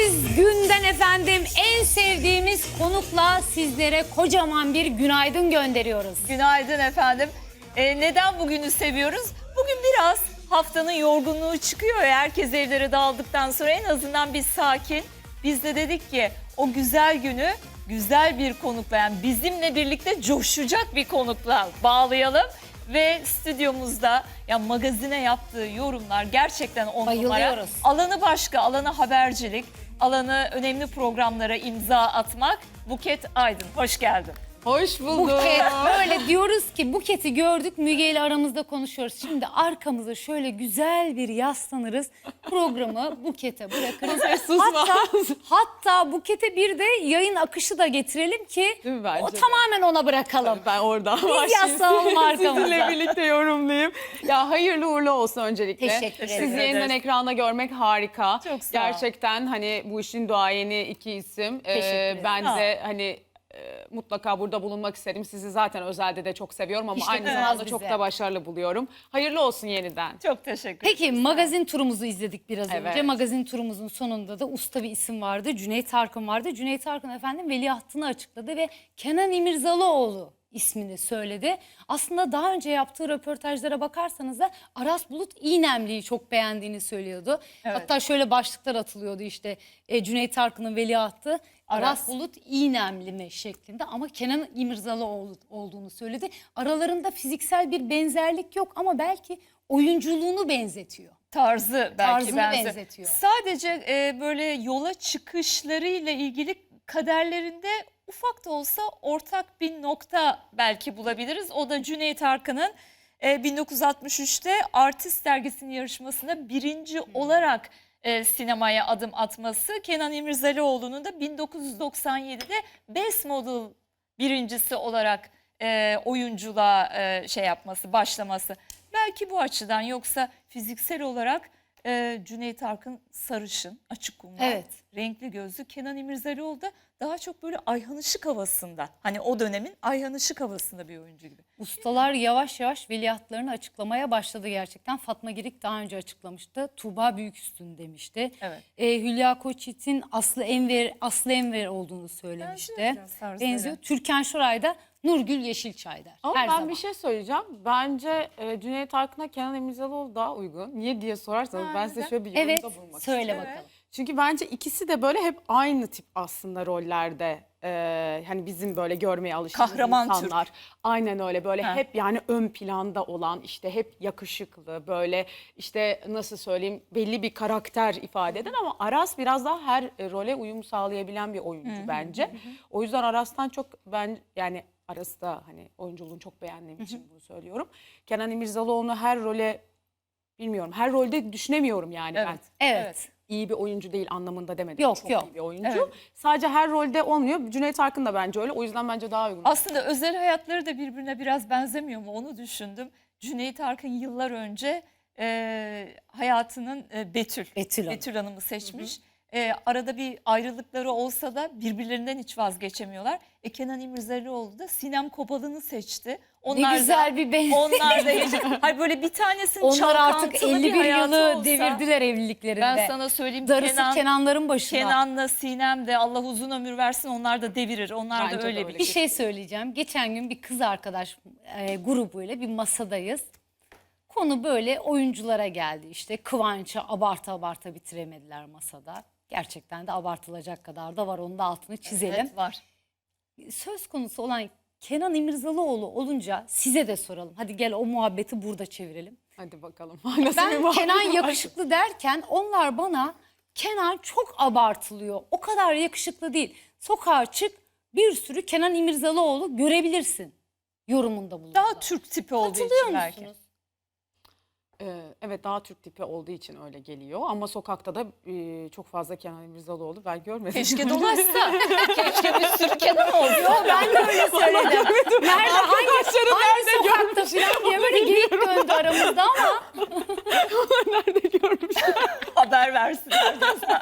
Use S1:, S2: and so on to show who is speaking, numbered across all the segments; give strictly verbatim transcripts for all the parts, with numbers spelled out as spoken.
S1: sevdiğimiz günden efendim en sevdiğimiz konukla sizlere kocaman bir günaydın gönderiyoruz.
S2: Günaydın efendim. Ee, neden bugünü seviyoruz? Bugün biraz haftanın yorgunluğu çıkıyor ya, herkes evlere dağıldıktan sonra en azından bir sakin. Biz de dedik ki o güzel günü güzel bir konukla, yani bizimle birlikte coşacak bir konukla bağlayalım. Ve stüdyomuzda ya magazine yaptığı yorumlar gerçekten on numara.
S1: Bayılıyoruz.
S2: Alanı başka, alanı habercilik, alanı önemli programlara imza atmak. Buket Aydın, hoş geldin.
S3: Hoş bulduk.
S1: Buket, böyle diyoruz ki Buket'i gördük, Müge ile aramızda konuşuyoruz. Şimdi arkamıza şöyle güzel bir yaslanırız, programı Buket'e bırakırız. hatta, hatta Buket'e bir de yayın akışı da getirelim ki
S3: Değil mi bence
S1: o
S3: de?
S1: tamamen ona bırakalım.
S3: Ben oradan
S1: Biz yaslanalım arkamıza.
S3: Sizinle birlikte yorumlayayım. Ya hayırlı uğurlu olsun öncelikle.
S1: Teşekkür ederim.
S3: Sizi yeniden ekranda görmek harika.
S2: Çok sağ ol.
S3: Gerçekten hani bu işin duayeni iki isim.
S1: Teşekkür ederim.
S3: ben
S2: Sağ ol.
S3: de hani e, mutlaka burada bulunmak isterim. Sizi zaten özelde de çok seviyorum ama
S1: İşte
S3: aynı
S1: kızmaz
S3: zamanda
S1: bize.
S3: çok da başarılı buluyorum. Hayırlı olsun yeniden.
S2: Çok teşekkür
S1: Peki
S2: ederim.
S1: magazin turumuzu izledik biraz önce.
S3: Evet.
S1: Magazin turumuzun sonunda da usta bir isim vardı. Cüneyt Arkın vardı. Cüneyt Arkın efendim veliahtını açıkladı ve Kenan İmirzalıoğlu ismini söyledi. Aslında daha önce yaptığı röportajlara bakarsanız da Aras Bulut İynemli'yi çok beğendiğini söylüyordu.
S2: Evet.
S1: Hatta şöyle başlıklar atılıyordu işte e, Cüneyt Arkın'ın veliahtı Aras,
S2: Aras.
S1: Bulut İynemli mi şeklinde, ama Kenan İmirzalıoğlu olduğunu söyledi. Aralarında fiziksel bir benzerlik yok ama belki oyunculuğunu benzetiyor.
S2: Tarzı belki
S1: Tarzını
S2: benzer.
S1: benzetiyor.
S2: Sadece e, böyle yola çıkışlarıyla ilgili kaderlerinde ufak da olsa ortak bir nokta belki bulabiliriz. O da Cüneyt Arkın'ın e, bin dokuz yüz altmış üçte Artist dergisinin yarışmasında birinci olarak e, sinemaya adım atması. Kenan İmirzalıoğlu'nun da bin dokuz yüz doksan yedide Best Model birincisi olarak e, oyunculuğa e, şey yapması, başlaması. Belki bu açıdan, yoksa fiziksel olarak e, Cüneyt Arkın sarışın, açık kumral,
S1: Evet.
S2: renkli gözlü. Kenan İmirzalıoğlu da daha çok böyle Ayhan Işık havasında. Hani o dönemin Ayhan Işık havasında bir oyuncu gibi.
S1: Ustalar yavaş yavaş veliahtlarını açıklamaya başladı gerçekten. Fatma Girik daha önce açıklamıştı. Tuğba Büyüküstün demişti.
S2: Evet.
S1: Ee, Hülya Koçyiğit'in Aslı Enver, Aslı Enver olduğunu söylemişti.
S2: Benziyor biraz tarzları.
S1: Benziyor. Türkan Şoray da Nurgül Yeşilçay der.
S3: Ama
S1: Her
S3: ben
S1: zaman.
S3: bir şey söyleyeceğim. Bence e, Cüneyt Arkın'a Kenan İmirzalıoğlu daha uygun. Niye diye sorarsanız
S2: Ha,
S3: ben size
S2: neden?
S3: şöyle bir yorumda
S1: Evet,
S3: bulunmak
S1: söyle
S3: istiyorum.
S1: bakalım.
S3: Çünkü bence ikisi de böyle hep aynı tip aslında rollerde. Ee, hani bizim böyle görmeye alıştığımız
S2: Kahraman
S3: insanlar. Aynen öyle, böyle
S2: Ha.
S3: hep yani ön planda olan, işte hep yakışıklı, böyle işte nasıl söyleyeyim, belli bir karakter ifade eden, ama Aras biraz daha her e, role uyum sağlayabilen bir oyuncu bence. O yüzden Aras'tan çok ben yani Aras'ı da hani oyunculuğunu çok beğendiğim için bunu söylüyorum. Kenan İmirzalıoğlu'nu her role bilmiyorum, her rolde düşünemiyorum yani ben.
S2: Evet.
S1: Evet.
S2: Evet.
S3: İyi bir oyuncu değil anlamında demedim.
S1: Yok,
S3: Çok
S1: yok.
S3: iyi bir oyuncu.
S2: Evet.
S3: Sadece her rolde olmuyor. Cüneyt Arkın da bence öyle. O yüzden bence daha uygun.
S2: Aslında özel hayatları da birbirine biraz benzemiyor mu, onu düşündüm. Cüneyt Arkın yıllar önce e, hayatının e, Betül,
S1: Betül Hanım.
S2: Betül Hanım'ı seçmiş. E, arada bir ayrılıkları olsa da birbirlerinden hiç vazgeçemiyorlar. E, Kenan İmirzalıoğlu da Sinem Kobalı'nı seçti. Onlar
S1: Ne güzel
S2: da,
S1: bir benzetme.
S2: Onlar da hiç, hayır böyle bir tanesinin
S1: Onlar artık
S2: çalkantılı
S1: elli
S2: bir
S1: bir
S2: hayatı
S1: yılı
S2: olsa,
S1: devirdiler evliliklerinde.
S2: ben sana söyleyeyim,
S1: Darısı
S2: Kenan,
S1: Kenanların başına.
S2: Kenan'la Sinem de Allah uzun ömür versin, onlar da devirir. Onlar
S3: Bence
S2: da
S3: de
S2: öyle
S3: öyle.
S2: bir
S1: Bir şey söyleyeceğim. Geçen gün bir kız arkadaş e, grubuyla bir masadayız. Konu böyle oyunculara geldi. İşte Kıvanç'ı abarta abarta bitiremediler masada. Gerçekten de abartılacak kadar da var. Onun da altını çizelim.
S2: Evet, var.
S1: Söz konusu olan Kenan İmirzalıoğlu olunca size de soralım. Hadi gel o muhabbeti burada çevirelim.
S3: Hadi bakalım. Nasıl bir
S1: Ben
S3: muhabbet
S1: Kenan
S3: var?
S1: yakışıklı derken onlar bana Kenan çok abartılıyor, o kadar yakışıklı değil. Sokağa çık, bir sürü Kenan İmirzalıoğlu görebilirsin yorumunda bulundu.
S2: Daha Türk tipi olduğu
S1: Katılıyor
S2: için belki.
S1: musunuz?
S3: Ee, evet, daha Türk tipi olduğu için öyle geliyor. Ama sokakta da e, çok fazla Kenan İmirzalıoğlu ben görmedim.
S2: Keşke dolaşsa. Keşke bir sürü Kenan olsa.
S1: Ben de öyle söyledim. Nerede, hangi,
S3: Arkadaşlarım
S1: hangi
S3: nerede
S1: sokakta falan diye böyle geyik döndü aramızda ama
S3: Nerede görmüştüm?
S2: Haber versin.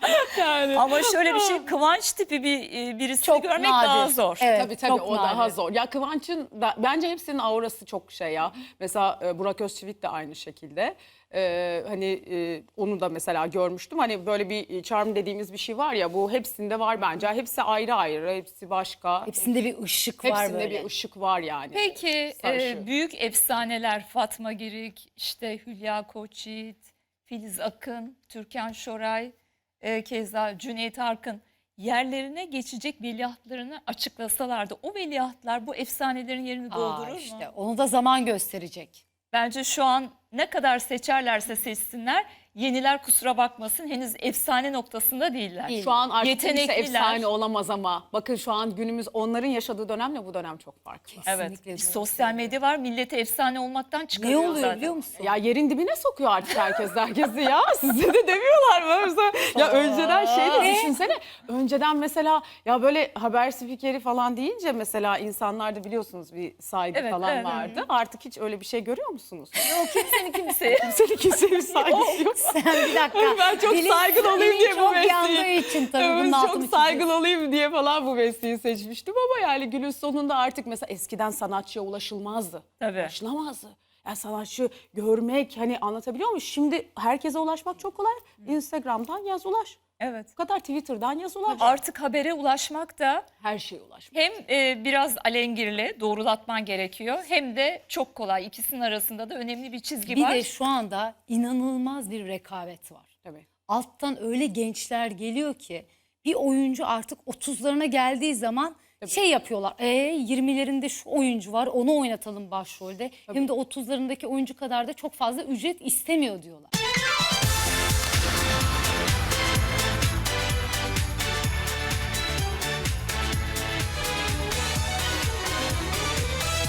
S3: Yani.
S2: Ama şöyle bir şey, Kıvanç tipi bir e, birisini
S1: Çok
S2: görmek
S1: nadir.
S2: daha zor.
S1: Evet,
S3: Tabii tabii
S1: çok
S3: o daha
S1: nadir.
S3: zor. Ya Kıvanç'ın da, bence hepsinin aurası çok şey ya. Mesela e, Burak Özçivit de aynı şekilde. E, hani e, onu da mesela görmüştüm. Hani böyle bir charm dediğimiz bir şey var ya, bu hepsinde var bence. Hepsi ayrı ayrı, hepsi başka.
S1: Hepsinde bir ışık var
S3: Hepsinde
S1: böyle.
S3: bir ışık var yani.
S2: Peki
S3: Sarşı.
S2: e, büyük efsaneler Fatma Girik, işte Hülya Koçyiğit, Filiz Akın, Türkan Şoray, e, keza Cüneyt Arkın yerlerine geçecek veliahtlarını açıklasalardı o veliahtlar bu efsanelerin yerini doldurur
S1: Aa,
S2: mu?
S1: işte onu da zaman gösterecek.
S2: Bence şu an ne kadar seçerlerse seçsinler, yeniler kusura bakmasın henüz efsane noktasında değiller.
S1: Değil.
S3: Şu an artık kimse
S2: Yetenekliler.
S3: efsane olamaz ama bakın şu an günümüz onların yaşadığı dönemle bu dönem çok farklı.
S2: Evet.
S1: Kesinlikle
S2: Bir
S1: doğru
S2: sosyal medya var, milleti efsane olmaktan çıkarıyor
S1: Ne oluyor
S2: zaten.
S1: biliyor musun?
S3: Ya yerin dibine sokuyor artık herkes herkesi ya. Size de demiyorlar mı? Mesela, ya önceden şey de düşünsene. Önceden mesela ya böyle haber spikeri falan deyince mesela insanlarda biliyorsunuz bir saygı
S2: Evet,
S3: falan
S2: evet.
S3: vardı. Artık hiç öyle bir şey görüyor musunuz?
S2: Yok kimsenin kimseye.
S3: Kimsenin kimseye bir saygısı yok.
S1: Sen bir dakika.
S3: Ben çok
S1: Dilin-
S3: saygılı olayım
S1: dilin
S3: diye bu
S1: çok
S3: mesleği.
S1: yandığı için tabii bunun
S3: Evet,
S1: altını
S3: çok
S1: çiziyorsun.
S3: saygılı olayım diye falan bu mesleği seçmiştim ama yani günün sonunda artık mesela eskiden sanatçıya ulaşılmazdı.
S2: Tabii.
S3: Ulaşılamazdı. Yani sanatçı görmek, hani anlatabiliyor muyum? Şimdi herkese ulaşmak çok kolay. Instagram'dan yaz ulaş.
S2: Evet.
S3: Bu kadar Twitter'dan yaz ulaş.
S2: Artık habere ulaşmak da
S3: Her şeye ulaşmak.
S2: hem e, biraz alengirli doğrulatman gerekiyor hem de çok kolay. İkisinin arasında da önemli bir çizgi
S1: Bir
S2: var.
S1: de şu anda inanılmaz bir rekabet var.
S3: Tabii.
S1: Alttan öyle gençler geliyor ki bir oyuncu artık otuzlarına geldiği zaman şey yapıyorlar. E yirmilerinde şu oyuncu var, onu oynatalım başrolde. Hem de otuzlarındaki oyuncu kadar da çok fazla ücret istemiyor diyorlar.